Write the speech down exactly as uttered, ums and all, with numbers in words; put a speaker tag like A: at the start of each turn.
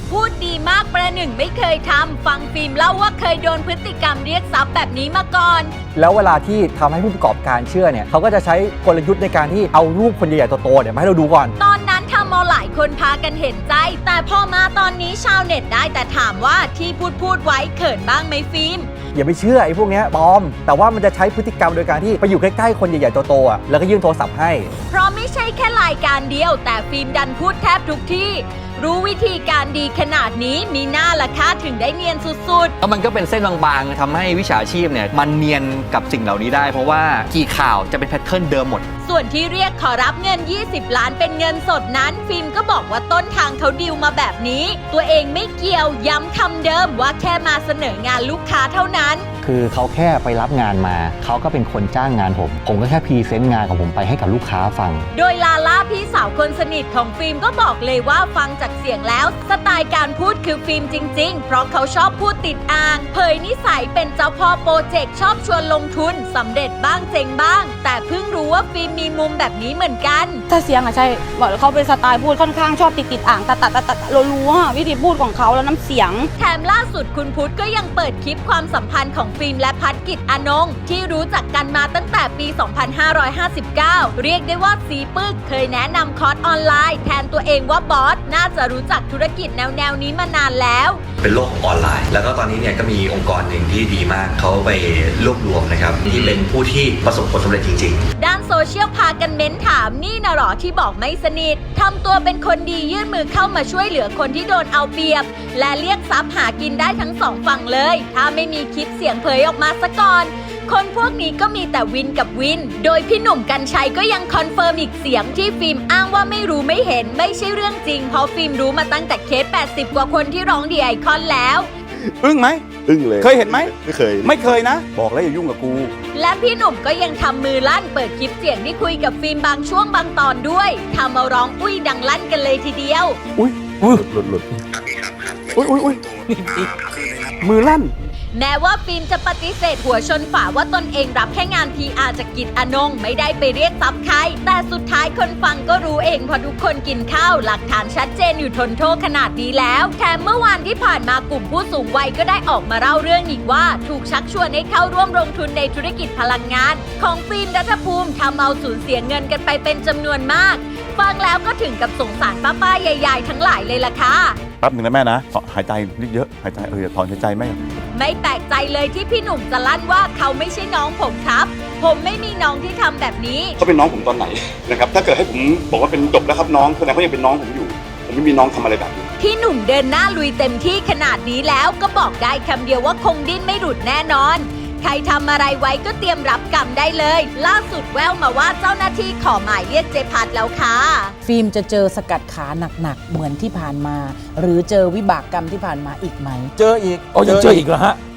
A: พูดดีมากประหนึ่งไม่เคยทำฟังฟิล์มเล่าว่าเคยโดนพฤติกรรมเรียกทรัพย์แบบนี้มาก่อน
B: แล้วเวลาที่ทำให้ผู้ประกอบการเชื่อเนี่ยเขาก็จะใช้กลยุทธ์ในการที่เอารูปคนใหญ่ๆโตๆเนี่ยมาให้เราดูก่อน
A: ตอนนั้นทำเอาหลายคนพากันเห็นใจแต่พอมาตอนนี้ชาวเน็ตได้แต่ถามว่าที่พูดพูดไว้เขินบ้างไหมฟิล์ม
B: อย่าไปเชื่อไอ้พวกนี้ปลอมแต่ว่ามันจะใช้พฤติกรรมโดยการที่ไปอยู่ใกล้ๆคนใหญ่ๆโตๆอ่ะแล้วก็ยื่นโทรศัพท์ให้
A: เพราะไม่ใช่แค่รายการเดียวแต่ฟิล์มดันพูดแทบทุกที่รู้วิธีการดีขนาดนี้มีหน้าละค่าถึงได้เนียนสุดๆ
C: แล้วมันก็เป็นเส้นบางๆทำให้วิชาชีพเนี่ยมันเนียนกับสิ่งเหล่านี้ได้เพราะว่ากี่ข่าวจะเป็นแพทเทิร์นเดิมหมด
A: ส่วนที่เรียกขอรับเงินยี่สิบล้านเป็นเงินสดนั้นฟิล์มก็บอกว่าต้นทางเขาดีลมาแบบนี้ตัวเองไม่เกี่ยวย้ำคำเดิมว่าแค่มาเสนองานลูกค้าเท่านั้น
D: คือเขาแค่ไปรับงานมาเขาก็เป็นคนจ้างงานผมผมก็แค่พรีเซนต์งานของผมไปให้กับลูกค้าฟัง
A: โดยลาล่าพี่สาวคนสนิทของฟิล์มก็บอกเลยว่าฟังจากเสียงแล้วสไตล์การพูดคือฟิล์มจริงๆเพราะเขาชอบพูดติดอ่างเผยนิสัยเป็นเจ้าพ่อโปรเจกต์ชอบชวนลงทุนสำเร็จบ้างเจ๊งบ้างแต่เพิ่งรู้ว่าฟิล์มมีมุมแบบนี้เหมือนกัน
E: ถ้าเสียงอะใช่บอกเขาเป็นสไตล์พูดค่อนข้างชอบติดติดอ่างตัดตัดตัดตัดเรารู้ว่าวิธีพูดของเขาแล้วน้ำเสียง
A: แถมล่าสุดคุณพุทธก็ยังเปิดคลิปความสัมพันธ์ของฟิล์มและพัฒกิจอานงค์ที่รู้จักกันมาตั้งแต่ปี สองพันห้าร้อยห้าสิบเก้า เรียกได้ว่าสีปึกเคยแนะนำคอร์สออนไลน์แทนตัวเองว่าบอสน่าจะรู้จักธุรกิจแนวแนวนี้มานานแล้ว
F: เป็นโลกของออนไลน์แล้วก็ตอนนี้เนี่ยก็มีองค์กรหนึ่งที่ดีมากเขาไปรวบรวมนะครับที่เป็นผู้ที่ประสบผลสำเร็จจริงๆ
A: ด้านโซเชียลพากันเม้นถามนี่นะหรอที่บอกไม่สนิททำตัวเป็นคนดียื่นมือเข้ามาช่วยเหลือคนที่โดนเอาเปรียบและเรียกทรัพย์หากินได้ทั้งสองฝั่งเลยถ้าไม่มีคลิปเสียงเผยออกมาซะก่อนคนพวกนี้ก็มีแต่วินกับวินโดยพี่หนุ่มกรรชัยก็ยังคอนเฟิร์มอีกเสียงที่ฟิล์มอ้างว่าไม่รู้ไม่เห็นไม่ใช่เรื่องจริงเพราะฟิล์มรู้มาตั้งแต่เคสแปดสิบกว่าคนที่ร้องดีไอคอนแล้ว
G: อึ้งไหม
H: อึ้งเลย
G: เคยเห็นไหม
H: ไม่เคย
G: ไม่เคยนะบอกแล้วอย่ายุ่งกับกู
A: และพี่หนุ่มก็ยังทำมือลั่นเปิดคลิปเสียงที่คุยกับฟิล์มบางช่วงบางตอนด้วยทำเอาร้องอุ้ยดังลั่นกันเลยทีเดียว
G: อุ้ยอุ้ย
H: หลุดหลุด
G: อุ้ยอุ้ยอุ้ยมือลั่น
A: แม้ว่าฟิล์มจะปฏิเสธหัวชนฝาว่าตนเองรับแค่งาน พี อาร์ จากกิจอานงค์ไม่ได้ไปเรียกทรัพย์ใครแต่สุดท้ายคนฟังก็รู้เองพอทุกคนกินข้าวหลักฐานชัดเจนอยู่ทนโทษขนาดนี้แล้วแถมเมื่อวานที่ผ่านมากลุ่มผู้สูงวัยก็ได้ออกมาเล่าเรื่องอีกว่าถูกชักชวนให้เข้าร่วมลงทุนในธุรกิจพลังงานของฟิล์มรัฐภูมิทำเอาสูญเสียเงินกันไปเป็นจำนวนมากฟังแล้วก็ถึงกับสงสารป้าๆใหญ่ๆทั้งหลายเลยล่ะค่ะ
G: แป๊บหนึ่งนะแม่นะหายใจเยอะหายใจเออถอนหายใจไหม
A: ไม่แปลกใจเลยที่พี่หนุ่มจะลั่นว่าเขาไม่ใช่น้องผมครับผมไม่มีน้องที่ทำแบบนี้
G: เขาเป็นน้องผมตอนไหนนะครับถ้าเกิดให้ผมบอกว่าเป็นจบแล้วครับน้องแสดงว่ายังเป็นน้องผมอยู่ผมไม่มีน้องทำอะไรแบบนี้
A: พี่หนุ่มเดินหน้าลุยเต็มที่ขนาดนี้แล้วก็บอกได้คำเดียวว่าคงดิ้นไม่หลุดแน่นอนใครทำอะไรไว้ก็เตรียมรับกรรมได้เลยล่าสุดแววมาว่าเจ้าหน้าที่ขอหมายเรียกเจพัดแล้วค่ะ
I: ฟิล์มจะเจอสกัดขาหนักๆเหมือนที่ผ่านมาหรือเจอวิบากกรรมที่ผ่านมาอีกไหม
G: เจออีก
C: อ๋อยังเจออีกเหรอฮะ